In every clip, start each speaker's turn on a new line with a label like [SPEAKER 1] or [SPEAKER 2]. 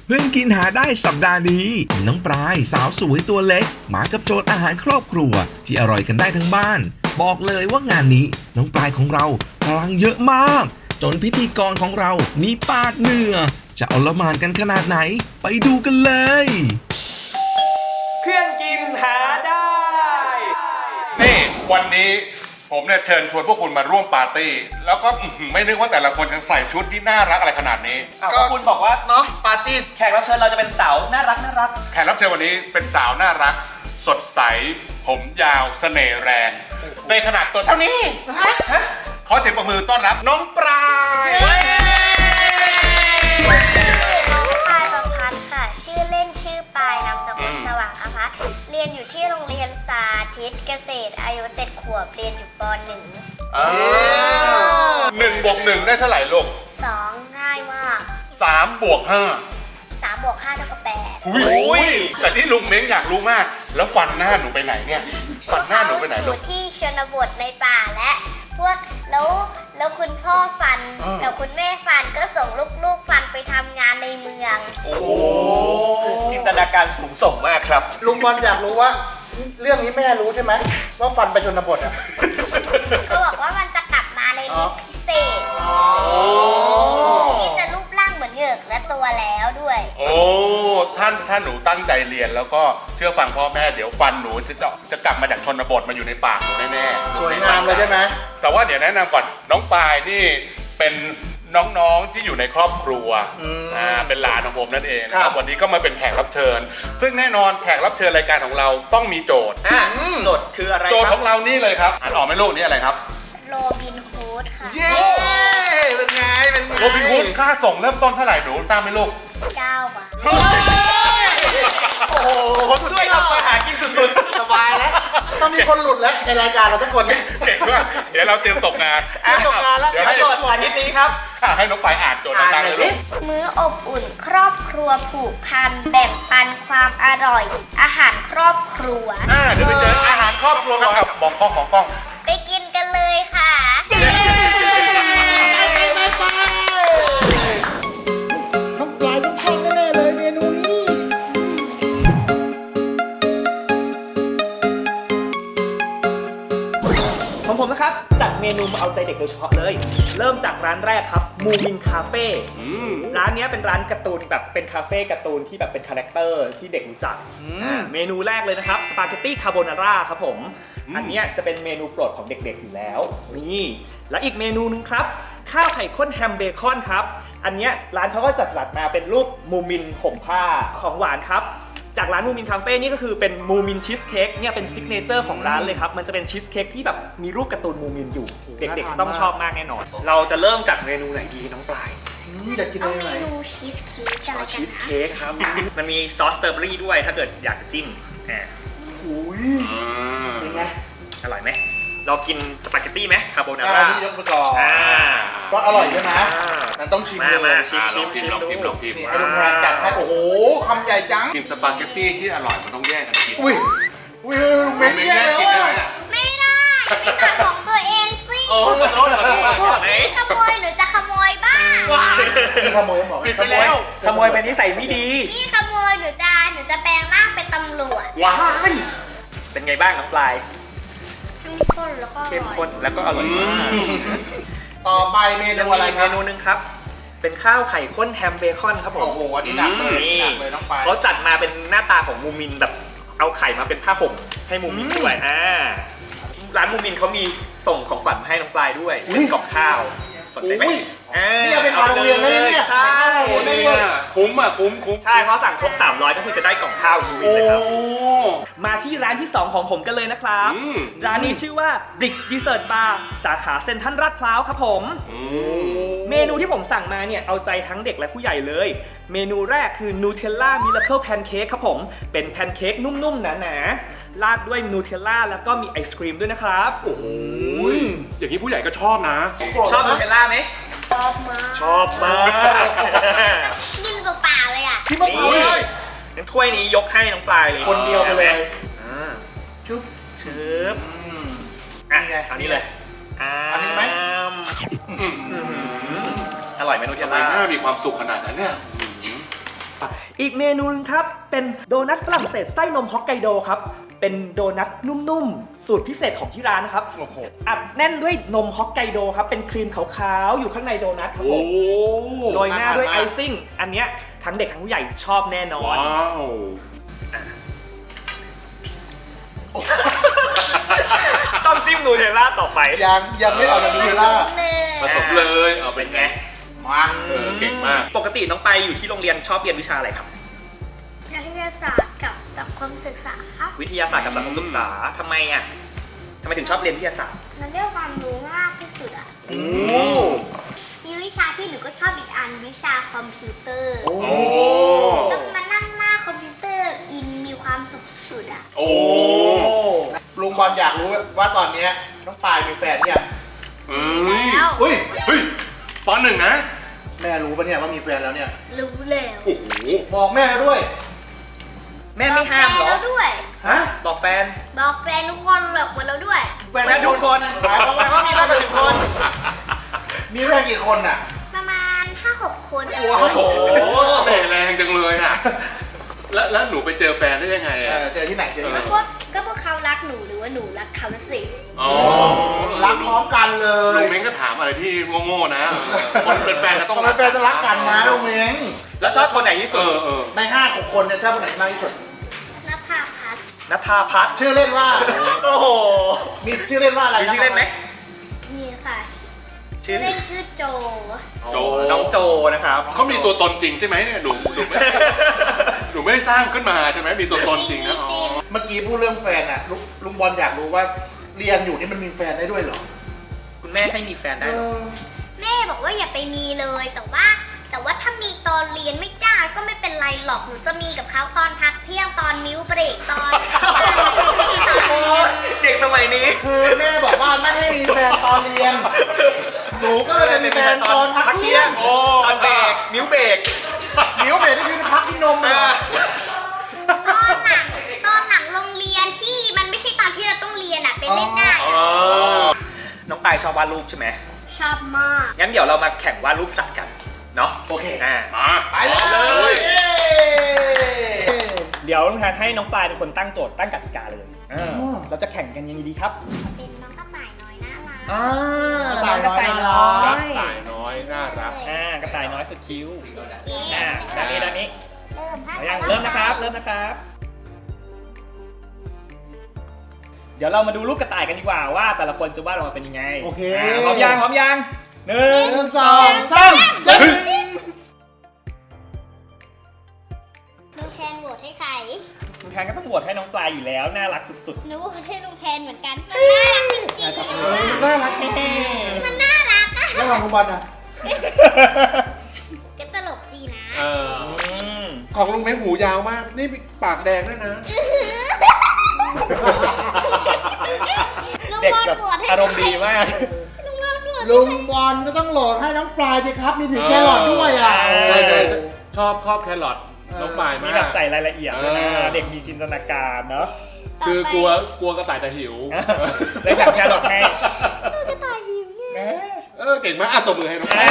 [SPEAKER 1] เพิ่งกินหาได้สัปดาห์นี้มีน้องปลายสาวสวยตัวเล็กมากับโจทย์อาหารครอบครัวที่อร่อยกันได้ทั้งบ้านบอกเลยว่างานนี้น้องปลายของเราพลังเยอะมากจนพิธีกรของเรามีปาดเหงื่อจะเอาละหมานกันขนาดไหนไปดูกันเลย
[SPEAKER 2] เพื่อนกินหาได้
[SPEAKER 3] นี่วันนี้ผมเนี่ยเชิญชวนพวกคุณมาร่วมปาร์ตี้แล้วก็ไม่นึกว่าแต่ละคนจะใส่ชุดที่น่ารักอะไรขนาดนี้
[SPEAKER 2] ก็คุณบอกว่า
[SPEAKER 4] เนาะปาร์ตี้
[SPEAKER 2] แขกรับเชิญเราจะเป็นสาวน่ารัก
[SPEAKER 3] แขกรับเชิญวันนี้เป็นสาวน่ารัก สดใส ผมยาวเสน่ห์แรงในขนาดตัวเท่านี้ขอเสียงปรบมือต้อนรับน้องปลาย
[SPEAKER 5] น้องปายประพัฒน์ค่ะ ชื่อเล่นชื่อปายนามสกุลสว่างอภัสเรียนอยู่ที่โรงเรียนสาธิตเกษตรอายุ7 ขวบเรียนอยู่ป .1
[SPEAKER 3] 1 บวก 1ได้เท่าไหร่ลูก
[SPEAKER 5] 2 ง่ายมาก
[SPEAKER 3] 3 บวก 5
[SPEAKER 5] 3 บวก 5 เท่ากับ 8
[SPEAKER 3] อุ้ยแต่ที่ลุงเม้งอยากรู้มาก แล้วฟันหน้าหนูไปไหนเนี่ยฟันหน้าหนูไปไหน
[SPEAKER 5] อ
[SPEAKER 3] ลู
[SPEAKER 5] ยู่
[SPEAKER 3] ก
[SPEAKER 5] ที่ชนบทในป่าและพวกแล้วคุณพ่อฟันแต่คุณแม่ฟันก็ส่งลูกๆฟันไปทำงานในเมือง
[SPEAKER 2] โอ้จินตนาการสูงส่งมากครับ
[SPEAKER 4] ลุงบอลอยากรู้ว่า เรื่องนี้แม่รู้ใช่ไหมว่าฟันไปชนบทอ่ะ
[SPEAKER 5] ก็บอกว่ามันจะกลับมาในรูปพิเศษที่จะรูปร่างเหมือนเหงือกและตัวแล้วด้วย
[SPEAKER 3] โอ้ท่านหนูตั้งใจเรียนแล้วก็เชื่อฟังพ่อแม่เดี๋ยวฟันหนูจะกลับมาจากชนบทมาอยู่ในปากหนูแน่ๆ
[SPEAKER 4] สวยงามเลยใช่ไหม
[SPEAKER 3] แต่ว่าเดี๋ยวแนะนำก่อนน้องปายนี่เป็นน้องๆที่อยู่ในครอบครัวเป็นหลานของผมนั่นเองนะครับวันนี้ก็มาเป็นแขกรับเชิญ ซึ่งแน่นอนแขกรับเชิญรายการของเราต้องมีโจทย์
[SPEAKER 2] โจทย์คืออะไร
[SPEAKER 3] โจทย์
[SPEAKER 2] ค
[SPEAKER 3] ข
[SPEAKER 2] รับ
[SPEAKER 3] องเรานี่เลยครับอ่านออกไหมลูกนี่อะไรครับ
[SPEAKER 5] โรบินฮูดค่ะ
[SPEAKER 4] เย้เป็นไงเป็นไง
[SPEAKER 3] โรบินฮูดค่าส่งเริ่มต้นเท่าไหร่หนูทราบไหมลูก
[SPEAKER 5] 9 บาท
[SPEAKER 4] โอ้โห
[SPEAKER 2] ช่วยทำมาหากินสุด
[SPEAKER 4] สบายแล้วต้องมีคนหลุดแล้วในรายการเราทุกคน
[SPEAKER 3] เก่งมากเดี๋ยวเราเตรียมตกงาน
[SPEAKER 2] ตกงานแล้ว
[SPEAKER 3] เดี๋ยว
[SPEAKER 2] โจทย์อาทิตย์นี้ครับ
[SPEAKER 3] ให้น้องปายอ่านโจทย์ต่างๆเลยลูก
[SPEAKER 5] มื้ออบอุ่นครอบครัวผูกพันแบ่งปันความอร่อย อาหารครอบครัว
[SPEAKER 3] เดี๋ยวไปเจออาหารครอบครัวกันครับมองกล้องของกล้อง
[SPEAKER 5] ไปกินกันเลยค่ะ
[SPEAKER 4] ต้องปลายต้องชอบแน่ๆเลยเมนูนี้
[SPEAKER 2] ของผมนะครับจัดเมนูมาเอาใจเด็กโดยเฉพาะเลย เริ่มจากร้านแรกครับมูมินคาเฟ่ร้านนี้เป็นร้านการ์ตูนแบบเป็นคาเฟ่การ์ตูนที่แบบเป็นคาแรคเตอร์ที่เด็กรู้จักเมนูแรกเลยนะครับสปาเกตตี้คาโบนาร่าครับผมอันนี้จะเป็นเมนูโปรดของเด็กๆอยู่แล้วนี่และอีกเมนูนึงครับข้าวไข่ข้นแฮมเบคอนครับอันนี้ร้านเขาก็จัดมาเป็นรูปมูมินห่มผ้าของหวานครับจากร้านมูมินคาเฟ่นี่ก็คือเป็นมูมินชีสเค้กเนี่ยเป็นซิกเนเจอร์ของร้านเลยครับมันจะเป็นชีสเค้กที่แบบมีรูปการ์ตูนมูมินอยู่เด็กๆต้องชอบมากแน่นอน เราจะเริ่มจากเมนูไหนดีน้องปลาย
[SPEAKER 4] อยากกิน
[SPEAKER 5] เอา
[SPEAKER 4] อะไร
[SPEAKER 5] เม
[SPEAKER 4] ไหน
[SPEAKER 5] นูชีสเค้กกันละกั
[SPEAKER 2] ชี
[SPEAKER 5] น
[SPEAKER 2] ส
[SPEAKER 5] ค่ะ
[SPEAKER 2] เค้กครับ มันมีซอสสตรอเบอรี่ด้วยถ้าเกิดอยากจิ้มอ่า
[SPEAKER 4] อุ้ยเป็นไง
[SPEAKER 2] อร่อยไหมเรากินสปาเกตตี้ไหมคาโบนา
[SPEAKER 4] อั
[SPEAKER 2] ร่าน
[SPEAKER 4] นี้ยกไปก่อน
[SPEAKER 2] อ่า
[SPEAKER 4] ก็อร่อยใช่ไหมมันต้องชิมเลย
[SPEAKER 2] มาชิม
[SPEAKER 3] ลองชิมลองชิมลองชิม
[SPEAKER 4] นี่ให้ลุงแทนจัดให้โอ้โหคำใหญ่จัง
[SPEAKER 3] กินสปาเกตตี้ที่อร่อยมันต้องแยกกันกิน
[SPEAKER 4] อุ้ยเม้ง
[SPEAKER 3] ไม่
[SPEAKER 4] แย่
[SPEAKER 3] แยก
[SPEAKER 4] แล้ว
[SPEAKER 3] กินได้ไหม
[SPEAKER 4] อ่ะ
[SPEAKER 5] ไม่ได้กินแต่ของตัวเองสิ
[SPEAKER 2] โอ้โหไหน
[SPEAKER 5] ขโมยหรือจะขโมยบ้าง
[SPEAKER 4] นี่ขโมยบอก
[SPEAKER 3] ปิดไปแล้ว
[SPEAKER 2] ขโมยไปนิสัยไม่ดี
[SPEAKER 5] นี่ขโมยหรือจะแปลงร่างเป็นตำรวจ
[SPEAKER 2] ว้ายเป็นไงบ้างน้องปลาย
[SPEAKER 5] เข้มข้นแล้วก็อ
[SPEAKER 2] เข้ม
[SPEAKER 5] ร่อย
[SPEAKER 2] ข้นแล้วก็อร่อยมาก
[SPEAKER 4] ต่อไปเมนูอะไร
[SPEAKER 2] อีก
[SPEAKER 4] ค
[SPEAKER 2] เม
[SPEAKER 4] รับ
[SPEAKER 2] นูหนึงครับ เป็นข้าวไข่ข้นแฮมเบคอนครับผม
[SPEAKER 4] โอ้โหอันนี้หนักเลย
[SPEAKER 2] นี่
[SPEAKER 4] หนักเลยน้องปาย
[SPEAKER 2] เขาจัดมาเป็นหน้าตาของมูมินแบบเอาไข่มาเป็นผ้าห่มให้มูมินด้วยร้านมูมินเขามีส่งของขวัญมาให้น้องปลายด้วยเป็นกล่องข้าวสนใจไหม
[SPEAKER 4] อุ้ย นี่เอาไปทานโรงเรียนเลยเนี่ย
[SPEAKER 2] ใช่
[SPEAKER 4] โอ้โห
[SPEAKER 3] นี่คุ้มอ่ะคุ้ม
[SPEAKER 2] ใช่เพราะสั่งครบ300ก็คือจะได้กล่องข้าวมูมิน
[SPEAKER 3] โอ้
[SPEAKER 2] เลยครับมาที่ร้านที่ 2 ของผมกันเลยนะครับ ร้านนี้ชื่อว่า Bricks Dessert Bar สาขาเซ็นทรัลลาดพร้าวครับผม เมนูที่ผมสั่งมาเนี่ยเอาใจทั้งเด็กและผู้ใหญ่เลย เมนูแรกคือ Nutella Miracle Pancake ครับผม เป็นแพนเค้กนุ่มๆหนาๆราดด้วยนูเทลล่าแล้วก็มีไอศครีมด้วยนะครับ
[SPEAKER 3] โอ้ยอย่างนี้ผู้ใหญ่ก็ชอบนะ
[SPEAKER 2] ชอบนูเทลล่าไหม
[SPEAKER 5] ชอบมาก
[SPEAKER 2] ชอบมาก
[SPEAKER 5] กินเปล่าๆเลยอ่ะ
[SPEAKER 4] พี่มะกรูดเลย
[SPEAKER 2] งั้นถ้วยนี้ยกให้น้องปลายเลย
[SPEAKER 4] คนเดียวไปเลย
[SPEAKER 2] อ่า
[SPEAKER 4] ชุบ
[SPEAKER 2] ชึบอ่ะ
[SPEAKER 4] นี่ไง
[SPEAKER 2] เอานี้เลย
[SPEAKER 4] อันนี้ไหม
[SPEAKER 2] อร่อยไหมนูเทล
[SPEAKER 3] ทำไม
[SPEAKER 2] ล่า
[SPEAKER 3] หน้ามีความสุขขนาดนั้นเนี่ย
[SPEAKER 2] อีกเมนูนึงครับ เป็นโดนัทฝรั่งเศสไส้นมฮอกไกโดครับ เป็นโดนัทนุ่มๆ สูตรพิเศษของที่ร้านนะครับ
[SPEAKER 3] โอ้โห
[SPEAKER 2] อัดแน่นด้วยนมฮอกไกโดครับ เป็นครีมขาวๆ อยู่ข้างในโดนัทครับผมโรยหน้าด้วยไอซิ่ง อันเนี้ยทั้งเด็กทั้งผู้ใหญ่ชอบแน่นอน
[SPEAKER 3] ว้าว
[SPEAKER 2] ต้องจิ้มนูเทลล่าต่อไป
[SPEAKER 4] ยังไม่เอาจากนูเทลล่า
[SPEAKER 3] ผสมเลยเอาเป็นไง
[SPEAKER 4] มา
[SPEAKER 3] เก่งมาก
[SPEAKER 2] ปกติน้องไปอยู่ที่โรงเรียนชอบเรียนวิชาอะไรครับ
[SPEAKER 5] นักวิทยาศาสตร์กับสังคมศึกษาครับ
[SPEAKER 2] วิทยาศาสตร์กับสังคมศึกษาทำไมอ่ะทำไมถึงชอบเรียนวิทยาศาสตร์
[SPEAKER 5] มันได้ความรู้มากที่สุดอ่ะ
[SPEAKER 2] โอ้
[SPEAKER 5] มีวิชาที่หนูก็ชอบอีกอันวิชาคอมพิวเตอร์
[SPEAKER 3] โอ้
[SPEAKER 5] ต้องมานั่งหน้าคอมพิวเตอร์อินมีความสุขสุดอ่ะ
[SPEAKER 3] โอ้
[SPEAKER 4] ลุงบอลอยากรู้ว่าตอนเนี้ยน้องปายมีแฟนเนี่ยง
[SPEAKER 3] เอ้ย
[SPEAKER 5] แล้ว
[SPEAKER 4] อุ้ย
[SPEAKER 3] เฮ้ยปหนึ่งนะ
[SPEAKER 4] แม่รู้ปะเนี่ยว่ามีแฟนแล้วเนี่ย
[SPEAKER 5] รู้แล้ว
[SPEAKER 3] โอ้โห
[SPEAKER 4] บอกแม่ด้วย
[SPEAKER 2] แม่ไม่ห้ามเหร
[SPEAKER 5] บ
[SPEAKER 2] อ
[SPEAKER 5] อกแฟนแล้วด้วย
[SPEAKER 4] ฮะ
[SPEAKER 2] บอกแฟน
[SPEAKER 5] บอกแฟนทุกคนหลอกหมดแล้วด้วย
[SPEAKER 2] แฟนทุกคนหมายความว่ามีมากกว่าหนึ่งคน
[SPEAKER 4] มีแฟนกี่คนอ่ะ
[SPEAKER 5] ประมาณ 5-6 คนอะ
[SPEAKER 4] ว้าว
[SPEAKER 3] โอ้โหเตะแรงจังเลยอ่ะ แล้วหนูไปเจอแฟนได้ยังไงอ่ะ
[SPEAKER 4] เจอที่ไหนเจอที่ไหน
[SPEAKER 5] ก็พวกเขารักหนูหรือว่าหนูรักเขาสิ
[SPEAKER 3] อ๋อ
[SPEAKER 4] รักพร้อมกันเล
[SPEAKER 3] ลุ
[SPEAKER 4] ย
[SPEAKER 3] งเม้งก็ถามอะไรที่โง่ๆนะคนเป็นแฟนก็ต้อง
[SPEAKER 4] แฟนจะรักกันนะลุงเม้ง
[SPEAKER 2] แล้วชอบคนไหนที่สุด
[SPEAKER 4] ใน5-6 คนเนี่ยชอบคนไหนมากที่สุด
[SPEAKER 5] นภาพัฒน์
[SPEAKER 2] นัทธาพัฒน์
[SPEAKER 4] ชื่อเล่นว่า
[SPEAKER 2] โอ้โห
[SPEAKER 4] มีชื่อเล่นว่าอะไร
[SPEAKER 2] มีชื่อเล่นไหม
[SPEAKER 5] นี่ค่ะ
[SPEAKER 2] ชื่อ
[SPEAKER 5] เล่นชื่อโจ
[SPEAKER 3] โจ
[SPEAKER 2] น้องโจนะครับ
[SPEAKER 3] เขามีตัวตนจริงใช่ไหมเนี่ยหนูไม่ได้สร้างขึ้นมาใช่ไหมมีตัวตนจริงนะอ๋อ
[SPEAKER 4] เมื่อกี้พูดเรื่องแฟนอ่ะลุงบอลอยากรู้ว่าเรียนอยู่นี่มันมีแฟนได้ด้วยเหรอ
[SPEAKER 2] คุณแม่ให้มีแฟนได้เหรอ
[SPEAKER 5] แม่บอกว่าอย่าไปมีเลย แต่ว่าถ้ามีตอนเรียนไม่ได้ก็ไม่เป็นไรหรอก หนูจะมีกับเขาตอนพักเที่ยงตอนมิ้วเบรกตอน
[SPEAKER 2] โอ้ยเด็กสมัยนี้
[SPEAKER 4] คือแม่บอกว่าไม่ให้มีแฟนตอนเรียน หนูก็เลยเป็นแฟนตอนพักเที่ยง
[SPEAKER 2] โอ้ตอนเบรกมิ้วเบรก
[SPEAKER 4] นิ้วเบรกนี่คือพักที่นมเลยเหรอ
[SPEAKER 5] ตอนหลังโรงเรียนที่มันไม่ใช่ตอนที่เราต้องเรียนอะไปเล่นได้
[SPEAKER 2] น้องปายชอบวาดรูปใช่ไหม
[SPEAKER 5] ชอบมาก
[SPEAKER 2] งั้นเดี๋ยวเรามาแข่งวาดรูปสัตว์กัน เนาะ
[SPEAKER 4] โอเค
[SPEAKER 2] มา
[SPEAKER 4] ไปเลย
[SPEAKER 2] เดี๋ยวลุงแทนให้น้องปลายเป็นคนตั้งโจทย์ตั้งกติกาเลยเราจะแข่งกันยังไงดีครับ
[SPEAKER 5] เป็นน้องกระต่ายน้อยน่ารัก
[SPEAKER 2] กระต่ายน้อย
[SPEAKER 3] สายน้อยน่ารัก
[SPEAKER 2] กระต่ายน้อยสุดคิ้ว
[SPEAKER 5] โอเค
[SPEAKER 2] ด้านนี้
[SPEAKER 5] เริ่มให้
[SPEAKER 2] เริ่มนะครับ เดี๋ยวเรามาดูรูปกระต่ายกันดีกว่าว่าแต่ละคนจะวาดออกมาเป็นยังไง
[SPEAKER 4] โอเค
[SPEAKER 2] พร้อมยังหนึ่ง
[SPEAKER 4] 1 2 3
[SPEAKER 5] ลุงแทนโหวตให้ใคร
[SPEAKER 2] ลุงแทนก็ต้องโหวตให้น้องปลายอยู่แล้วน่ารักสุด
[SPEAKER 5] หนูโหวตให้ลุงแทนเหมือนกันมันน่ารักจริงๆ
[SPEAKER 4] น่ารัก
[SPEAKER 2] ๆ
[SPEAKER 5] มันน่ารักอะ
[SPEAKER 4] แล้วของลุงบอลอ่ะ
[SPEAKER 5] ก็ตลกดีนะ
[SPEAKER 3] ของลุงเม้งหูยาวมาก นี่ปากแดงด้วยนะ
[SPEAKER 5] ลุง
[SPEAKER 2] เด็ก
[SPEAKER 5] บอล
[SPEAKER 2] แบบ
[SPEAKER 5] โหวตให้
[SPEAKER 2] อารมณ์ดีมาก
[SPEAKER 5] ลุงบอลโหวต
[SPEAKER 4] ลุงบอลก็ต้องโหลดให้น้องปลายสิครับ มีถึงแครอทด้วยอ่ะ
[SPEAKER 3] ชอบแครอทน้องปลาย
[SPEAKER 2] มี
[SPEAKER 3] มาก
[SPEAKER 2] แบบใส่รายละเอียดด้วยนะ เด็กมีจินตนาการเนาะ
[SPEAKER 3] คือกลัวกระต่ายจะหิว
[SPEAKER 2] เลยจับแครอทให้
[SPEAKER 5] กระต่ายหิวไง
[SPEAKER 3] เก่งมากอ่ะตบมือให้น้องปลาย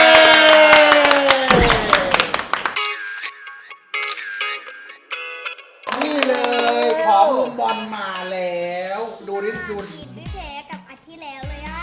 [SPEAKER 4] นี่เลยของลุงบอลมาแล้ว ดูดิดู
[SPEAKER 5] ทีมไม่แพ้กับอาทิตย์แล้วเลยอะ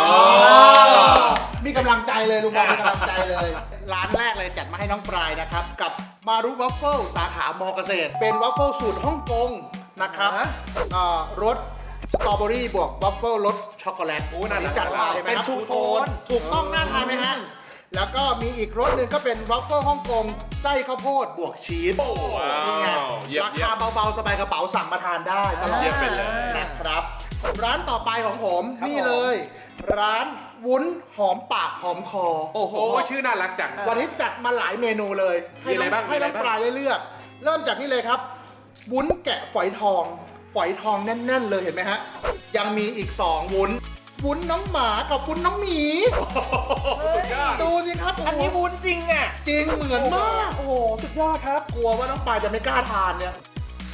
[SPEAKER 4] มีกำลังใจเลยลุงบอลมีกำลังใจเลย ร้านแรกเลยจัดมาให้น้องปลายนะครับ กับมารุวัฟเฟิลสาขามอเกษตร เป็นวัฟเฟิลสูตรฮ่องกงนะครับรสสตรอเบอรี่บวกวัฟเฟิลรสช็อกโกแลตอันนี้จัดมาเลยไหมครับ
[SPEAKER 2] เป็นทูโทน
[SPEAKER 4] ถูกต้องน่าทานไหมฮะ แล้วก็มีอีกรสหนึ่งก็เป็นวัฟเฟิลฮ่องกงไส้ข้าวโพดบวกชีสนี่ไง
[SPEAKER 3] เยี่ยม
[SPEAKER 4] ราคาเบาๆ สบายกระเป๋าสั่งมาทานได้ตลอด
[SPEAKER 3] เยี่ยมไปเลย
[SPEAKER 4] นะครับ ร้านต่อไปของผม
[SPEAKER 2] ครับ
[SPEAKER 4] นี่เลย ร้านวุ้นหอมปากหอมคอ
[SPEAKER 2] โอ้โห
[SPEAKER 3] โอ้ชื่อน่ารักจัง
[SPEAKER 4] วันนี้จัดมาหลายเมนูเลย
[SPEAKER 3] มีอะไรบ้าง
[SPEAKER 4] ให้น้อง
[SPEAKER 3] มีอะไรบ้าง
[SPEAKER 4] ปลายได้เลือก เริ่มจากนี่เลยครับ วุ้นแกะฝอยทอง ฝอยทองแน่น ๆ เลยเห็นไหมฮะ ยังมีอีก 2 วุ้น วุ้นน้องหมากับวุ้นน้องหมี ดูสิครับ
[SPEAKER 2] อันนี้วุ้นจริงอ่ะ
[SPEAKER 4] จริงเหมือนมาก
[SPEAKER 2] โอ้โห สุดยอดครับ
[SPEAKER 4] กลัวว่าน้องปลายจะไม่กล้าทานเนี่ย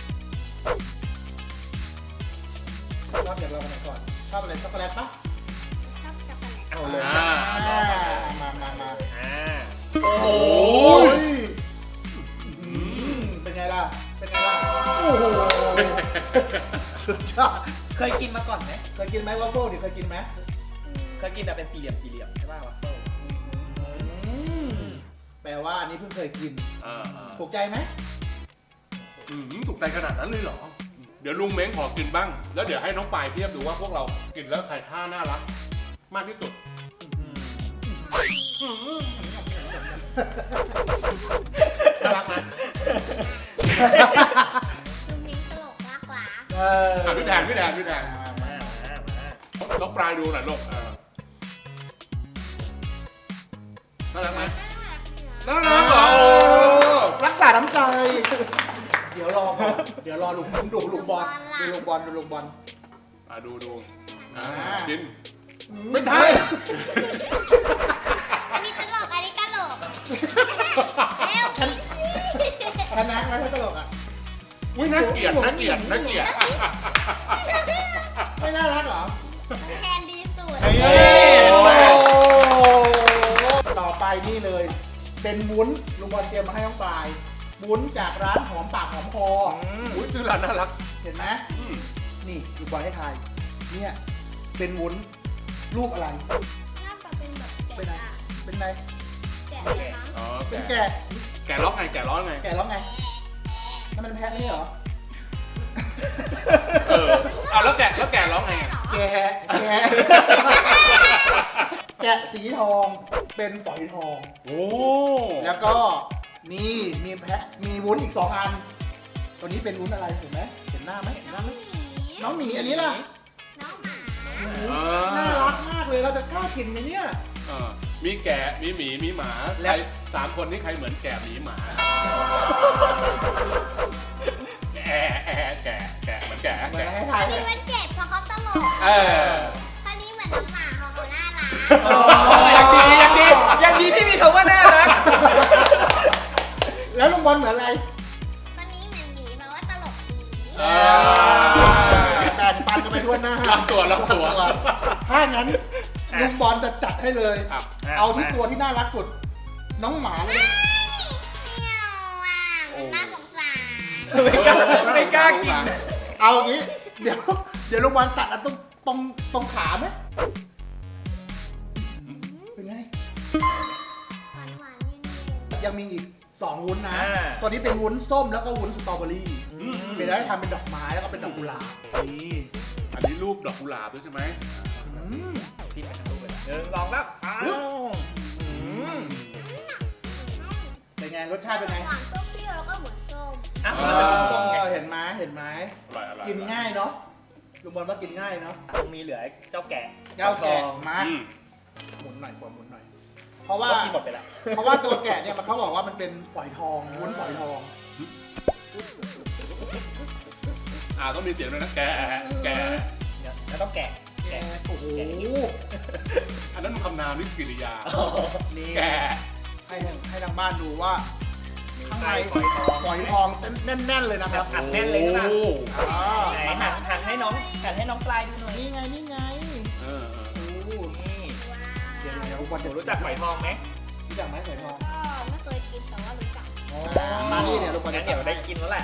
[SPEAKER 4] ชอบอย่างเรากันไหนก่อน ชอบอะไรช็อกโกแลตปะ
[SPEAKER 5] ชอบช็อกโกแลต
[SPEAKER 2] เอาเลย
[SPEAKER 4] มา
[SPEAKER 2] อ่า
[SPEAKER 4] โอ้ยล่ะ เป็นไงล่ะ โอ้โห สุดยอด
[SPEAKER 2] เคยกินมาก่อนไหม
[SPEAKER 4] เคยกินไหมวัฟเฟิลดิเคยกินไหม
[SPEAKER 2] เคยกินแต่เป็นสี่เหลี่ยมใช่ป่ะวัฟเฟิล
[SPEAKER 4] แปลว่าอันนี้เพิ่งเคยกิน
[SPEAKER 3] อ่า
[SPEAKER 4] ถูกใจไหม
[SPEAKER 3] ถูกใจขนาดนั้นเลยเหรอ เดี๋ยวลุงเม้งขอกินบ้าง แล้วเดี๋ยวให้น้องปายเทียบดูว่าพวกเรากินแล้วใครท่าน่ารักมากที่สุด น่ารักไหม
[SPEAKER 5] คุณมิ้งตลกมากกว่า
[SPEAKER 4] เออ
[SPEAKER 3] พี่แทน
[SPEAKER 2] มา
[SPEAKER 3] น้องปลายดูหน่อยลูกน่ารักไหมน่ารักเหรอ
[SPEAKER 4] รักษาน้ำใจ เดี๋ยวรอก่อนเดี๋ยวรอลุงดูลุงบอลดูลุงบอลดูลุงบอล
[SPEAKER 3] ดู
[SPEAKER 4] อ่า
[SPEAKER 3] กิน ไม่ใช่
[SPEAKER 5] อันนี้ตลก อันนี้ตลกเร็วกินสิ
[SPEAKER 4] ชนะไหมถ้าตลกอ่ะ
[SPEAKER 3] อุ้ยน่าเกลียด
[SPEAKER 4] ไม่น่ารักเหรอ
[SPEAKER 5] แทนดีสุด
[SPEAKER 4] ต่อไปนี่เลย เป็นวุ้นลุงบอลเตรียมมาให้น้องปลาย วุ้นจากร้านหอมปากหอมคอ
[SPEAKER 3] อุ้ยชื่อร้านน่ารัก
[SPEAKER 4] เห็นไหมนี่ลุงบอลให้ทาย เนี่ย เป็นวุ้นรูปอะไร
[SPEAKER 5] หน้าตาเป็นแบบ
[SPEAKER 4] เป็นไง
[SPEAKER 5] แกะ
[SPEAKER 4] เป็นไง
[SPEAKER 5] แกะนะคะ
[SPEAKER 3] อ๋อ
[SPEAKER 4] เป็น
[SPEAKER 3] แกะ
[SPEAKER 4] แกะ
[SPEAKER 3] แกะร้องไง แกะร้องไง
[SPEAKER 4] แกะแล้วไงนั่นมันแพะนี่เหรอ
[SPEAKER 3] เอาแล้วแกะร้องไงอะ
[SPEAKER 4] แกะ แกะสีทอง เป็นฝอยทอง
[SPEAKER 3] โอ้
[SPEAKER 4] แล้วก็นี่มีแพะ มีวุ้นอีก2 อัน ตัวนี้เป็นวุ้นอะไรเห็นไหมเห็นหน้าไหมเห็นหน้าไหมน้องหมีอันนี้ล่ะ
[SPEAKER 5] น้องหมา
[SPEAKER 4] น่ารักมากเลย เราจะกล้ากินไหมเนี่ย
[SPEAKER 3] มีแกะ มีหมี มีหมา
[SPEAKER 4] และ
[SPEAKER 3] ใคร3 คนนี้ใครเหมือนแกะหมีหมา แกะเหมือนแกะ
[SPEAKER 4] เหมือนให้ทาย
[SPEAKER 5] อัน
[SPEAKER 4] เล
[SPEAKER 5] นี้
[SPEAKER 4] ย
[SPEAKER 5] มันเจ็บเพราะเขาตลก
[SPEAKER 3] เออ
[SPEAKER 5] อันนี้เหมือนน้องหมาเพราะเขาน่ารัก
[SPEAKER 2] ยังดีที่มีคำว่าน่ารัก
[SPEAKER 4] แล้วลุงบอลเหมือนอะไร
[SPEAKER 5] วันนี้เหมือนหมีเพราะว่าตลกดี
[SPEAKER 4] แบ่งปันกันไปทั่วหน้า
[SPEAKER 3] ลำตัว
[SPEAKER 4] ถ้างั้นลุงบอลจะจัดให้เลย
[SPEAKER 3] อ่ะ
[SPEAKER 4] เอาที่ตัวที่น่ารักสุด น้องหมาเลย
[SPEAKER 5] เมียวอ่ะมันน่าสงสาร
[SPEAKER 2] ไม่กล้ากิน
[SPEAKER 4] เอาอย่างนี้ เดี๋ยวลุงบอลตัดอันตรงขาไหมเป็นไง
[SPEAKER 5] หวานหวานๆเย็น
[SPEAKER 4] ยังมีอีก2 วุ้นนะ
[SPEAKER 2] อ่า
[SPEAKER 4] ตัวนี้เป็นวุ้นส้มแล้วก็วุ้นสตรอเบอรี่เป็นได้ทำเป็นดอกไม้แล้วก็เป็นดอกกุหลาบนี่
[SPEAKER 3] อันนี้รูปดอกกุหลาบด้วยใช่ไหม
[SPEAKER 4] อืม
[SPEAKER 2] ที่ถ่ายรูปไปแล้ว1 2 3อ้าว
[SPEAKER 4] เป็นไงรสชาติเป็นไง
[SPEAKER 5] หวานส้มเปรี้ยวแล้วก็เหมือนส้ม
[SPEAKER 2] อ้าว
[SPEAKER 4] เอ
[SPEAKER 2] มันเป็นวงๆไง
[SPEAKER 4] อเห็นไหมเห็นไหม
[SPEAKER 3] อร่อย
[SPEAKER 4] กินง่ายเนาะลุงบอลว่ากินง่ายเนาะ
[SPEAKER 2] ยังมีเหลือเจ้าแกะ
[SPEAKER 4] เจ้าแกะ
[SPEAKER 2] ทอง
[SPEAKER 4] มา
[SPEAKER 3] อืม
[SPEAKER 4] หมุนหน่อยหมุนหน่อย เพราะว่า
[SPEAKER 2] ก็กินหมดไปแล้ว
[SPEAKER 4] เพราะว่าตัวแกะเนี่ยมันเขาบอกว่ามันเป็นฝอยทองวุ้นฝอยทอง
[SPEAKER 3] ต้องมีเสียงด้วยนะ แกะ
[SPEAKER 2] แล้วต้องแกะ
[SPEAKER 4] แกะโอ้โห
[SPEAKER 3] อันนั้นมันคำนามนี่กิริยา
[SPEAKER 4] นี่
[SPEAKER 3] แกะ
[SPEAKER 4] ให้ทางบ้านดูว่า ข้างใน
[SPEAKER 2] ฝอยทอง
[SPEAKER 4] ฝอยทองแน่นๆเลยนะครับ
[SPEAKER 2] อัดแน่นเลยนะ
[SPEAKER 3] โอ้
[SPEAKER 4] อ่า
[SPEAKER 2] ไหนหันให้น้องปลายดูหน่อย
[SPEAKER 4] นี่ไงนี่ไง
[SPEAKER 3] เออ
[SPEAKER 4] โอ้
[SPEAKER 2] นี่
[SPEAKER 4] เดี๋ยววัน
[SPEAKER 2] หนู
[SPEAKER 4] เดี๋ยว
[SPEAKER 2] รู้จักฝอยทองไหม
[SPEAKER 4] รู้จักไหมฝอยทอง
[SPEAKER 5] ก็ไม่เคยกินแต่ว่ารู้จัก
[SPEAKER 4] มานี่เดี๋ยวลูกบอล
[SPEAKER 2] งั้
[SPEAKER 4] จะ
[SPEAKER 2] นเดี๋ยวได้กินแล้วแหละ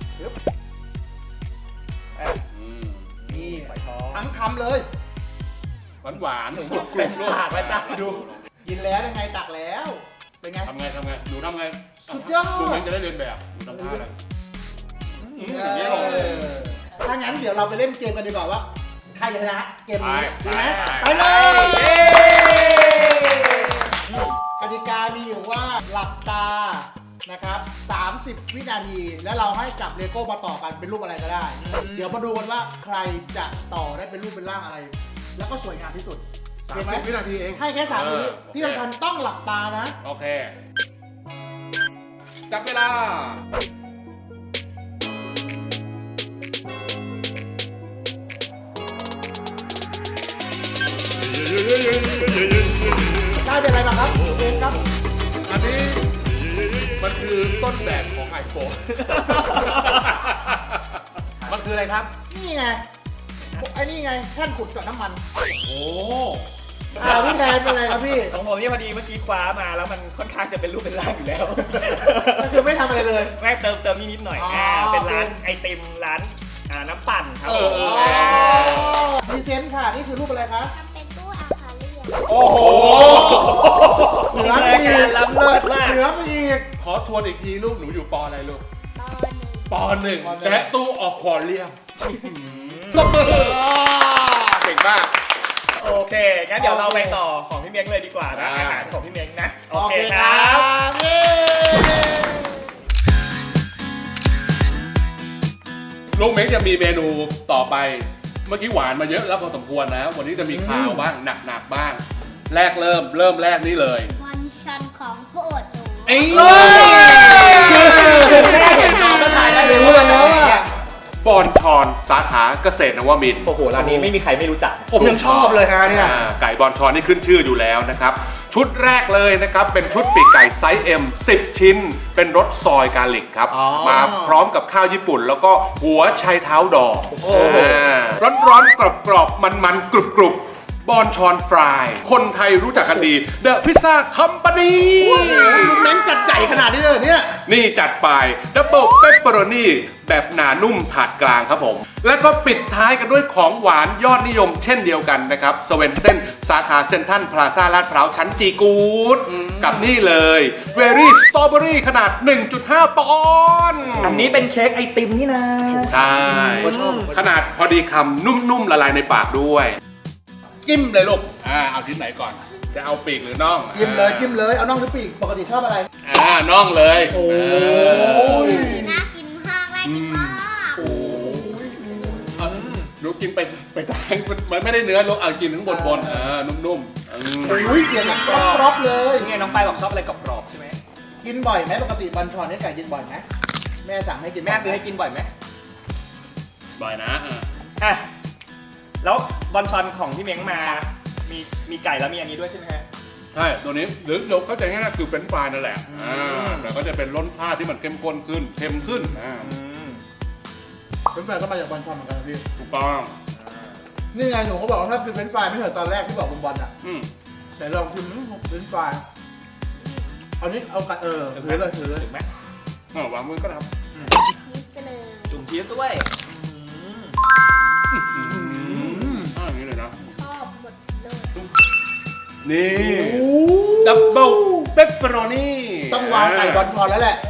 [SPEAKER 3] อืม
[SPEAKER 4] นี่
[SPEAKER 2] ฝอยทอง
[SPEAKER 4] ทั้งคำเลย
[SPEAKER 3] หวานๆกรุบกรุบลูก
[SPEAKER 2] ปากไว้จ้าดู
[SPEAKER 4] กินแล้วยังไงตักแล้ว เป็นไง
[SPEAKER 3] ทำไงหนูทำไง
[SPEAKER 4] สุดยอด
[SPEAKER 3] ลุงเองจะได้เรียนแบบหนูทำท่าอะไรอย่างนี้หรอ
[SPEAKER 4] ถ้างั้นเดี๋ยวเราไปเล่นเกมกันดีกว่าว่าใครจะชนะเกมนี้ดีไหม
[SPEAKER 3] ไป
[SPEAKER 4] ไปเลย
[SPEAKER 2] เย้
[SPEAKER 4] กติกามีอยู่ว่าหลับตานะครับ 30 วินาที แล้วเราให้จับเลโก้มาต่อกันเป็นรูปอะไรก็ได้ เดี๋ยวมาดูกันว่าใครจะต่อได้เป็นรูปเป็นร่างอะไร แล้วก็สวยงามที่สุดเห็นไหม
[SPEAKER 3] 30 วินาทีเอง
[SPEAKER 4] ให้แค่3 วิที่สำคัญต้องหลับตานะ
[SPEAKER 3] โอเค จับเวลา
[SPEAKER 4] ได้เป็นอะไรมาครับเกมครับ
[SPEAKER 3] อันนี้มันคือต้นแบบของไอโฟน มันคืออะไรครับ
[SPEAKER 4] นี่ไงไอ้นี่ไงแท่นขุดกับน้ำมัน
[SPEAKER 3] โอ้
[SPEAKER 4] พี่แทนเป็นอะไรครับพี่
[SPEAKER 2] ของผมเนี่ยพอดีเมื่อกี้คว้ามาแล้วมันค่อนข้างจะเป็นรูปเป็นร่างอยู่แล้ว
[SPEAKER 4] ก็คือไม่ทำอะไรเลย
[SPEAKER 2] แม่เติมนิดหน่อย
[SPEAKER 4] อ๋อ
[SPEAKER 2] เป็นร้านไอติมร้านน้ำปั่นครับ
[SPEAKER 4] ดีเซนต์ค่ะ นี่คือรูปอะไรคะ
[SPEAKER 5] ทำเป็นตู้อาคาเรียน
[SPEAKER 2] โอ้โห
[SPEAKER 4] เหนือ
[SPEAKER 2] ราย
[SPEAKER 4] อี
[SPEAKER 2] การ
[SPEAKER 4] ก
[SPEAKER 2] ล้ำเลิศมาก
[SPEAKER 4] เหนือไปอีก
[SPEAKER 3] ขอทวนอีกทีลูกหนูอยู่ปออะไรลูก
[SPEAKER 5] ตอนหนึ่ง
[SPEAKER 3] ปหนึ่งและตู้อควาเรียมเก่งมาก
[SPEAKER 2] โอเค งั้นเดี๋ยวเราไปต่อของพี่เมียงเลยดีกว่านะ
[SPEAKER 3] อ่า
[SPEAKER 2] อาหารของพี่เมียงนะ โอ
[SPEAKER 4] โอ
[SPEAKER 2] เค
[SPEAKER 4] เค
[SPEAKER 2] ค
[SPEAKER 4] ค
[SPEAKER 2] รั
[SPEAKER 4] รับ บเย้
[SPEAKER 3] ลุงเม้งจะมีเมนูต่อไป เมื่อกี้หวานมาเยอะแล้วพอสมควรนะ วันนี้จะมีข้าวบ้างหนักๆบ้าง แรกเริ่มแรกนี่เลย
[SPEAKER 5] วันชันของโปรดหนู
[SPEAKER 3] เอ้ย
[SPEAKER 2] คือแค่เห็นน้องก็ถ่ายได้เลยว่าแล้วอ่ะ
[SPEAKER 3] บอนชอนสาขาเกษตรนวมินทร์
[SPEAKER 2] โอ้โห ร้านนี้ไม่มีใครไม่รู้จัก
[SPEAKER 4] ผมยังชอบเลยฮะเนี่ย
[SPEAKER 3] ไก่บอนชอนนี่ขึ้นชื่ออยู่แล้วนะครับ ชุดแรกเลยนะครับ เป็นชุดปีกไก่ไซส์ M 10 ชิ้น เป็นรสซอยกาลิกครับ
[SPEAKER 4] อ๋อ
[SPEAKER 3] มาพร้อมกับข้าวญี่ปุ่น แล้วก็หัวไชเท้าดอก
[SPEAKER 2] โอ้โห
[SPEAKER 3] ร้อนๆกรอบๆมันๆกรุบๆบอนชอนฟราย คนไทยรู้จักกันดี The Pizza Company
[SPEAKER 4] ลุงเม้งจัดใหญ่ขนาดนี้เลยเหรอเนี่ย
[SPEAKER 3] นี่จัดไปดับเบิลเปปเปอโรนีแบบหนานุ่มถาดกลางครับผม แล้วก็ปิดท้ายกันด้วยของหวานยอดนิยมเช่นเดียวกันนะครับสเวนเซนสาขาเซ็นทรัลพลาซ่าลาดพร้าวชั้นจีกูดกับนี่เลยเวรี่สตรอเบอรี่ขนาด 1.5 ปอนด์
[SPEAKER 2] อันนี้เป็นเค้กไอติมนี่นะ
[SPEAKER 3] ใช่
[SPEAKER 4] ผมชอบ
[SPEAKER 3] ขนาดพอดีคำนุ่มๆละลายในปากด้วย จิ้มเลยลูกเอาชิ้นไหนก่อน จะเอาปีกหรือน่อง
[SPEAKER 4] จิ้มเลยจิ้มเลย เอาน่องหรือปีก ปกติชอบอะไร
[SPEAKER 3] น่องเลย
[SPEAKER 4] โอ้ย
[SPEAKER 5] น่ากินมากน่ากินมาก
[SPEAKER 3] ลูกกินไปทางมันไม่ได้เนื้อลูกเอากินทั้งบนนุ่มๆ
[SPEAKER 4] อุ้ยเสียงกรอบๆเลย
[SPEAKER 2] นี่ไงน้องปายบอกชอบอะไรกรอบๆใช่ไหม
[SPEAKER 4] กินบ่อยไหมปกติบันชอนนี่ไก่กินบ่อยไหมแม่สั่งให้กิน
[SPEAKER 2] แม่ซื้อให้กินบ่อยไหม
[SPEAKER 3] บ่อยนะ
[SPEAKER 2] อ่ะ แล้วบอลชอนของพี่เม้งมา มีไก่แล้วมีอันนี้ด้วยใช่ไหมฮะ
[SPEAKER 3] ใช่ตัวนี้หรือเราเข้าใจง่ายๆคือเฟรนช์ฟรายนั่นแหละแต่ก็จะเป็นรสชาติที่มันเข้มข้นขึ้นเค็มขึ้น
[SPEAKER 4] เป็นแฟนก็มาจากบันชอนเหมือนกันนะพี่
[SPEAKER 3] ถูกต้อง
[SPEAKER 4] นี่ไงหนูเขาบอกว่าถ้าเป็นเฟรนช์ฟรายไม่เหมือนตอนแรกที่บอกบนบอลอ่ะ แต่ลองชิมเฟรนช์ฟรายเอานี้เอากันถือเลยถือเลย
[SPEAKER 2] ถึงไหม
[SPEAKER 3] วางมือก็ท
[SPEAKER 5] ชีสไปเลย
[SPEAKER 2] จุ่มชีสด้วย
[SPEAKER 3] ำอย่างนี้เลยนะ
[SPEAKER 5] ชอบหมดเลย
[SPEAKER 3] นี่ดับเบิลเปปเปอโรนี่
[SPEAKER 4] ต้องวางไก่บอลชอนแล้วแหละ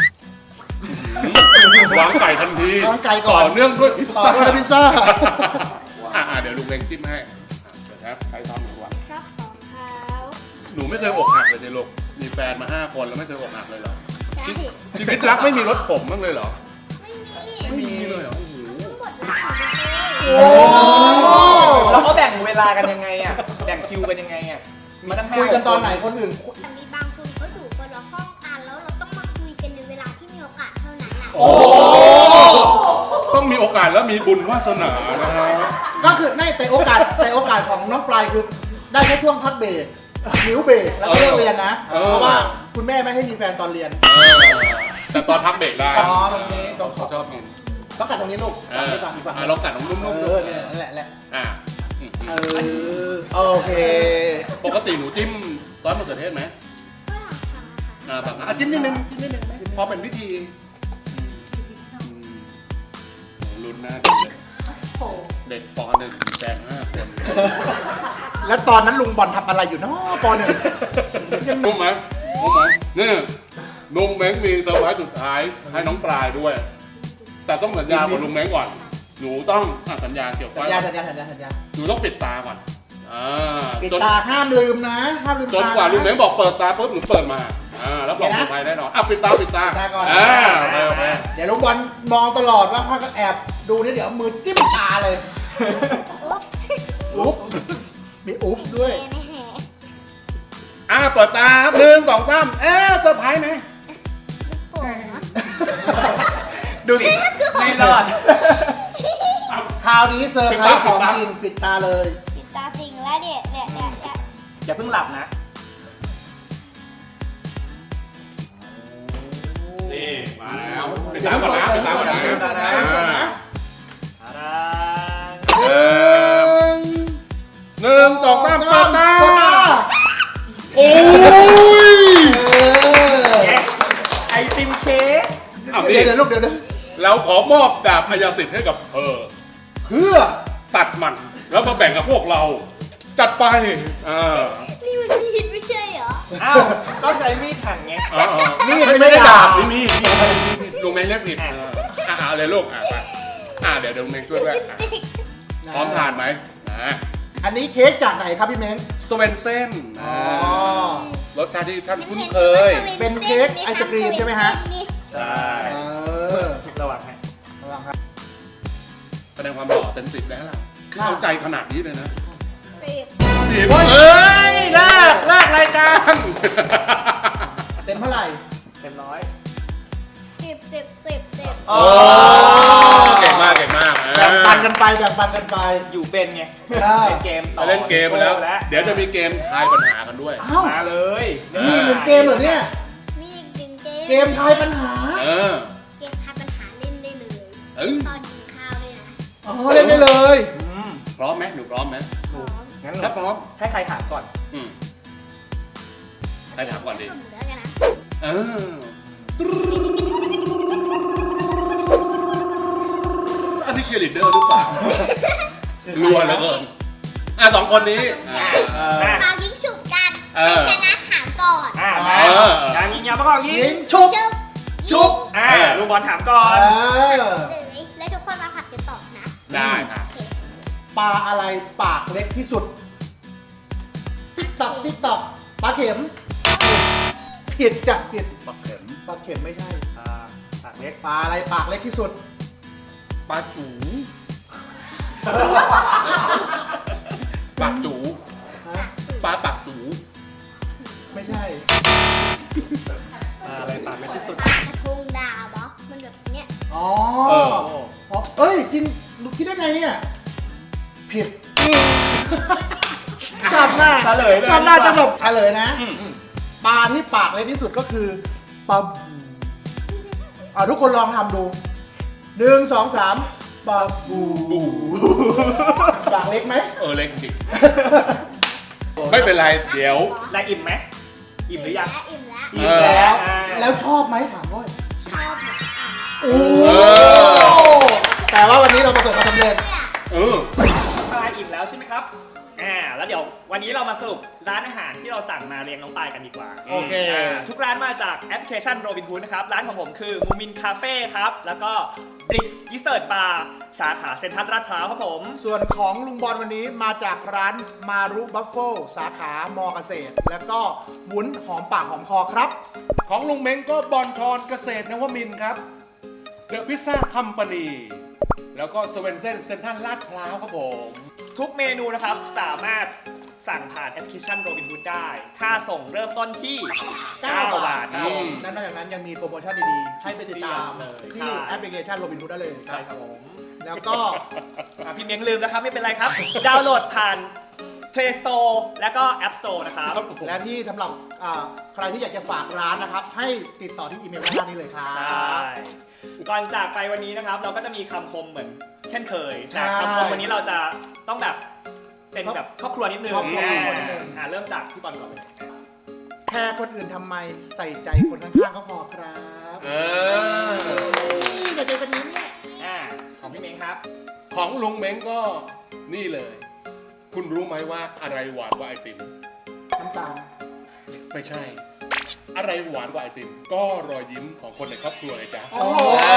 [SPEAKER 3] วางไก่ทันที
[SPEAKER 4] วางไก่ก่อน
[SPEAKER 3] ต่อเนื่องด้วยพิซ
[SPEAKER 4] ต่อ
[SPEAKER 3] ซ่า
[SPEAKER 4] ด้วยพิซซ่า
[SPEAKER 3] เดี๋ยวลุงเล็งจิ้มให้เดี๋ยวครับใครทำหนูวะ
[SPEAKER 5] ชอบของเขา
[SPEAKER 3] หนูไม่เคยอกหักเลยเจลูกมีแฟนมา5 คนแล้วไม่เคยอกหักเลยเหรอ
[SPEAKER 5] ใช่
[SPEAKER 3] ชีวิตรักไม่มีรถขมบ้างเลยเหรอ
[SPEAKER 5] ไม่มี
[SPEAKER 3] ไม่มีเลยเหรอ โอ้โห
[SPEAKER 5] หมดแล้ว
[SPEAKER 4] โอ้
[SPEAKER 2] แล้วเขาแบ่งเวลากันยังไงอ่ะ แบ่งคิวกันยังไงอ่ะมาตั้ง5
[SPEAKER 4] คุยกันตอนไหนคนอื่น
[SPEAKER 5] แต่มีบางคนเขาอยู่คนละห้องกันแล้วเราต้องมาคุยกันในเวลาที่มีโอกาสเท่านั้นน่ะ
[SPEAKER 3] โอ้ต้องมีโอกาสแล้วมีบุญวาสนานะฮะ
[SPEAKER 4] ก็คือในแต่โอกาสของน้องปลายคือได้แค่ช่วงพักเบรกนิ้วเบรกแล้วก็เลิกเรียนนะ เพราะว่าคุณแม่ไม่ให้มีแฟนตอนเรียน
[SPEAKER 3] แต่ตอนพักเบรกได้
[SPEAKER 4] อ๋อตรงนี้ตรง
[SPEAKER 3] เขาชอบกิน
[SPEAKER 4] ต้องกัดตรงนี้ลูกฝั่งนี้ฝั่งนี้ฝั่งนี้
[SPEAKER 3] ลองกัดนุ่มๆ
[SPEAKER 4] เออเนี่ยนั่นแหละ โอเค
[SPEAKER 3] ปกติหนูจิ้มซอสมะเขือเทศไหม
[SPEAKER 5] ก็หลังทำค่ะ
[SPEAKER 3] จิ้มนิดนึงไหมพอเป็นวิธีลุ้นหน้าเด็กเลย
[SPEAKER 5] โอ้โห
[SPEAKER 3] เด็กป .1 แฟน5 คน
[SPEAKER 4] แล้วตอนนั้นลุงบอลทำอะไรอยู่เนาะปหนึ่ง
[SPEAKER 3] นุ่มไหมนี่ลุงเม้งมีเซอร์ไพรส์สุดท้ายให้น้องปลายด้วย แต่ต้องสัญญากับลุงเม้งก่อน หนูต้องสัญญาเกี่ยวกับ
[SPEAKER 4] สัญญา
[SPEAKER 3] หนูต้องปิดตาก่อน
[SPEAKER 4] ปิดตาห้ามลืมนะห้ามลืม
[SPEAKER 3] จนกว่าลุงเม้งบอกเปิดตาปุ๊บหนูเปิดมาแล้วบอกเซอร์ไพรส์แน่นอนปิดตา
[SPEAKER 4] ปิดตาก่อน
[SPEAKER 3] โอเค
[SPEAKER 4] เดี๋ยวลุงบอลมองตลอดว่าถ้าก็แอบดูนี่เดี๋ยวเอามือจิ้มตาเลย
[SPEAKER 5] อุ๊บ
[SPEAKER 4] อุ๊บมีอุ๊บด้วย
[SPEAKER 5] แน่
[SPEAKER 3] เปิดตาครับ1 2 3เซอร์ไพรส์ไหม
[SPEAKER 5] โอ้โห
[SPEAKER 4] ดูสิ
[SPEAKER 2] ไม่รอด
[SPEAKER 4] คราวนี้เซอร์ไพรส์ของจริงปิดตาเลย
[SPEAKER 5] ปิดตาจริงแล้วเนี่ย
[SPEAKER 2] อย่าเพิ่งหลับนะ
[SPEAKER 3] นี่มาแล้วปิดตาก่อนนะปิดตาก่อนนะ
[SPEAKER 4] ปิดตาก่อนนะ
[SPEAKER 2] ตาดา
[SPEAKER 3] 1 2 3เปิดตา
[SPEAKER 2] ไอติมเค้ก
[SPEAKER 3] เอาดิ
[SPEAKER 4] เดี๋ยวลูกเดี๋ยว
[SPEAKER 3] เราขอมอบดาบพยาสิทธิ์ให้กับเธอ
[SPEAKER 4] เพื่อ
[SPEAKER 3] ตัดมันแล้วมาแบ่งกับพวกเรา จัดไป
[SPEAKER 5] นี่มันผิดไม่ใช่เหรอ
[SPEAKER 2] อ้าวก็ใช้มีดหั่นไง
[SPEAKER 3] นี่ไม่ได้ดาบนี่มีลุงแมงเรียกผิดเอาเลยลูกไปเดี๋ยวลุงแมงช่วยด้วยพร้อมทานไหม
[SPEAKER 4] อันนี้เค้กจากไหนครับพี่เม้ง
[SPEAKER 3] สเวนเซ่น
[SPEAKER 4] อ๋อ
[SPEAKER 3] รสชาติที่ท่านคุ้นเคย
[SPEAKER 4] เป็นเค้กไอศกรีมใช่ไหมฮะ
[SPEAKER 2] ใช่ ระวังให้
[SPEAKER 4] ระวังครับ
[SPEAKER 3] แสดงความหล่อเต็ม10แล้วล่ะเข้าใจขนาดนี้เลยนะ
[SPEAKER 5] 10
[SPEAKER 3] 10เอ้ยลากรายการ
[SPEAKER 4] เต็มเท่าไหร่
[SPEAKER 2] เต็มร้อย
[SPEAKER 5] 10
[SPEAKER 3] โอ้เก่งมาก
[SPEAKER 4] แบ่งปันกันไปแบ่งปันกันไป
[SPEAKER 2] อยู่เป็นไง
[SPEAKER 4] ใช่
[SPEAKER 2] เล่นเกมต่อ
[SPEAKER 3] ไปเล่นเกมไปแล้ว เดี๋ยวจะมีเกมทายปัญหากันด้วย
[SPEAKER 4] อ้าว
[SPEAKER 2] มาเลย
[SPEAKER 4] นี่เป็นเกมเหรอเนี่ย
[SPEAKER 5] มีอีกหนึ่งเกม
[SPEAKER 4] เกมทายปัญหา
[SPEAKER 3] เออ
[SPEAKER 5] เกมทายปัญหาเล่นได้เลย
[SPEAKER 3] เออ
[SPEAKER 5] ตอนกินข้าวเลยนะ
[SPEAKER 4] อ๋อเล่นได้เลย
[SPEAKER 3] พร้อมไหมหนูพร้อมไหม
[SPEAKER 2] งั้น
[SPEAKER 3] ถ้าพร้อม
[SPEAKER 2] ให้ใครถามก่อน
[SPEAKER 3] ใครถามก่อนดี
[SPEAKER 5] สุ่มแล้วกันนะ
[SPEAKER 3] เอออันนี้เชียร์ลีดเดอร์หรือเปล่ารัวเหลือเกิน2 คนนี้
[SPEAKER 2] มา
[SPEAKER 5] เปายิงฉุบกัน
[SPEAKER 3] เออ
[SPEAKER 5] ใครชนะถามก่อน
[SPEAKER 2] มา
[SPEAKER 3] เออ
[SPEAKER 2] อย่างยิงยาวมากกว่ายิ
[SPEAKER 4] ยิ
[SPEAKER 2] ง
[SPEAKER 4] งชุบ
[SPEAKER 5] ชุบ
[SPEAKER 4] ชุบ
[SPEAKER 2] ลูกบอลถามก่อน
[SPEAKER 4] เออ
[SPEAKER 5] เลยแล้วทุกคนมาผัดกันตอบนะ
[SPEAKER 3] ได้ครับ
[SPEAKER 5] โอเค
[SPEAKER 4] ปลาอะไรปากเล็กที่สุด ติ๊กตอกติ๊กตอกปลาเข็มผิดจ้ะผิด
[SPEAKER 3] ปักเข็ม
[SPEAKER 4] ปลาเข็มไม่ใช่
[SPEAKER 2] ปากเล็ก
[SPEAKER 4] ปลาอะไรปากเล็กที่สุด
[SPEAKER 3] ปลาจูปากจู
[SPEAKER 4] ฮะ
[SPEAKER 3] ปลาปากจู
[SPEAKER 4] ไม่ใช่
[SPEAKER 2] อะไรปากเล็กที่สุด
[SPEAKER 5] ปลากระทงดาวเหรอมันแบบเนี้ย
[SPEAKER 4] อ๋อ
[SPEAKER 3] เออ
[SPEAKER 4] อ๋อเอ้ยกินลูกคิดได้ไงเนี่ยผิดชอบหน้า
[SPEAKER 2] เฉลยเลย
[SPEAKER 4] ชอบหน้าจะแบบเฉลยนะ
[SPEAKER 2] อืม
[SPEAKER 4] ปลาที่ปากเล็กที่สุดก็คือปลาบูทุกคนลองทำดู1 2 3ปลาบูปากเล็กไหม
[SPEAKER 3] เล็กจริงไม่เป็นไร เดี๋ยว
[SPEAKER 2] ได้อิ่มไหมอิ่มหรือยัง
[SPEAKER 5] อิ่มแล้ว
[SPEAKER 4] อีกแล้ว
[SPEAKER 2] อ่า
[SPEAKER 4] แล้วชอบไหมถามด้วย
[SPEAKER 5] ชอบเหมือนกัน
[SPEAKER 4] โอ้
[SPEAKER 3] เออ
[SPEAKER 4] แต่ว่าวันนี้เราประสบความสำเร็จ
[SPEAKER 3] เออ
[SPEAKER 2] ปลาอิ่มแล้วใช่ไหมครับแล้วเดี๋ยววันนี้เรามาสรุปร้านอาหารที่เราสั่งมาเรียงน้องปายกันดีกว่า
[SPEAKER 4] โอเค
[SPEAKER 2] ทุกร้านมาจากแอปพลิเคชันโรบินฮูดนะครับ ร้านของผมคือมูมินคาเฟ่ครับ แล้วก็บริกส์ดิเซอร์ตบาร์สาขาเซ็นทรัลลาดพร้าวครับผม
[SPEAKER 4] ส่วนของลุงบอลวันนี้มาจากร้านมารุบัฟเฟิลสาขามอเกษตร แล้วก็วุ้นหอมปากหอมคอครับ
[SPEAKER 3] ของลุงเม้งก็บอลชอนเกษตรนวมินทร์ครับเดอะพิซซ่าคัมปานีแล้วก็สเวนเซ่นเซ็นทรัลลาดพร้าวครับผม
[SPEAKER 2] ทุกเมนูนะครับ สามารถสั่งผ่านแอปพลิเคชันโรบินฮูดได้ ค่าส่งเริ่มต้นที่ 9 บาทครับผม
[SPEAKER 4] และนอกจากนั้นยังมีโปรโมชั่นดีๆ ให้ไปติดตาม
[SPEAKER 2] เลย
[SPEAKER 4] ที่
[SPEAKER 2] ใช่
[SPEAKER 4] แอปพลิเคชันโรบินฮูดได้เลย
[SPEAKER 2] ใช่ครับผม
[SPEAKER 4] แล้วก็
[SPEAKER 2] พี่เมียงลืมนะครับ ไม่เป็นไรครับ ดาวน์โหลดผ่าน Play Store แล้วก็ App Store นะครับ
[SPEAKER 4] และที่สำหรับใครที่อยากจะฝากร้านนะครับ ให้ติดต่อที่อีเมลด้านล่างนี้เลยครับ
[SPEAKER 2] ใช่ ก่อนจากไปวันนี้นะครับ เราก็จะมีคำคมเหมือนเช่นเคย
[SPEAKER 4] ใช่
[SPEAKER 2] แต่คำคมวันนี้เราจะต้องแบบเป็นแบบครอบครัวนิดนึง
[SPEAKER 4] ครอบครัวนิดนึง
[SPEAKER 2] เริ่มจากพี่บอลก่อนเลย
[SPEAKER 4] แค่คนอื่นทำไมใส่ใจคนข้างๆก็พอครับ
[SPEAKER 5] เดี๋ยวเจอกันนี้เนี่ย
[SPEAKER 2] ของพี่เม้งครับ
[SPEAKER 3] ของลุงเม้งก็นี่เลย คุณรู้ไหมว่าอะไรหวานกว่าไอติม
[SPEAKER 4] น้ำตาล
[SPEAKER 3] ไม่ใช่ อะไรหวานกว่าไอติม ก็รอยยิ้มของคนในครอบครัวเลยจ้ะ
[SPEAKER 4] โอ้โห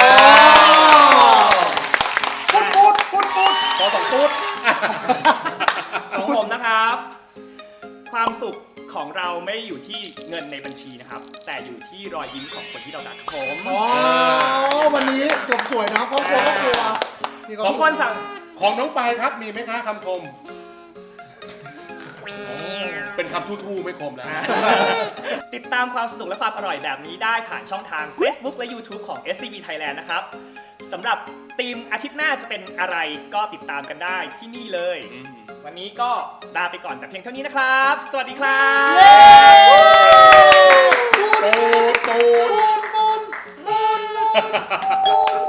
[SPEAKER 4] ปุ๊ดปุ๊ดปุ๊ด
[SPEAKER 3] พอสองตุ๊ด
[SPEAKER 2] ของผมนะครับ ความสุขของเราไม่ได้อยู่ที่เงินในบัญชีนะครับ แต่อยู่ที่รอยยิ้มของคนที่เรารักครับผม
[SPEAKER 4] อ๋อวันนี้จบสวยนะครอบครัวมี
[SPEAKER 2] ทุกคนสั่ง
[SPEAKER 3] ของน้องปายครับมีไหมคะคำคม เป็นคำทู่ๆไม่คมแล้ว
[SPEAKER 2] ติดตามความสนุกและความอร่อยแบบนี้ได้ผ่านช่องทาง Facebook และ YouTube ของ SCB Thailand นะครับสำหรับทีมอาทิตย์หน้าจะเป็นอะไรก็ติดตามกันได้ที่นี่เลย วันนี้ก็ลาไปก่อนแต่เพียงเท่านี้นะครับ สวัสดีครับ
[SPEAKER 3] ตูด